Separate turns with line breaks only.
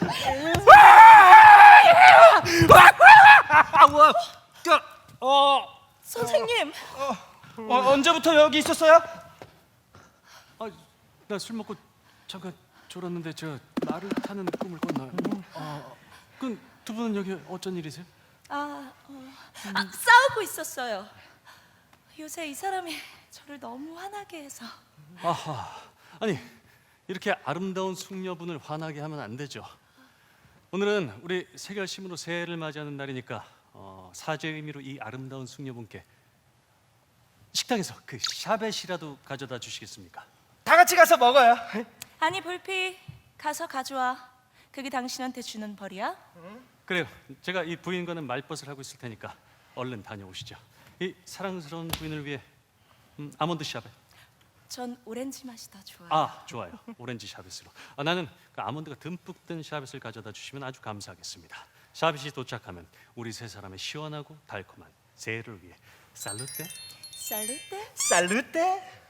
선생님.
언제부터 여기 있었어요?
나 술 먹고 잠깐 졸았는데 저 말을 타는 꿈을 꿨나요? 그럼 두 분은 여기 어쩐 일이세요?
싸우고 있었어요. 요새 이 사람이 저를 너무 화나게 해서.
아하, 아니 이렇게 아름다운 숙녀분을 화나게 하면 안 되죠. 오늘은 우리 세결심으로 새해를 맞이하는 날이니까 사죄의 의미로 이 아름다운 숙녀분께 식당에서 그 샤벳이라도 가져다 주시겠습니까?
다 같이 가서 먹어요.
아니 볼피, 가서 가져와. 그게 당신한테 주는 벌이야?
그래요. 제가 이 부인과는 말벗을 하고 있을 테니까 얼른 다녀오시죠. 이 사랑스러운 부인을 위해 아몬드 샤벳.
전 오렌지 맛이 더 좋아요.
좋아요. 오렌지 샤벳으로. 나는 그 아몬드가 듬뿍 든 샤벳을 가져다 주시면 아주 감사하겠습니다. 샤벳이 도착하면 우리 세 사람의 시원하고 달콤한 새해를 위해 살루테.
살루테.
살루테.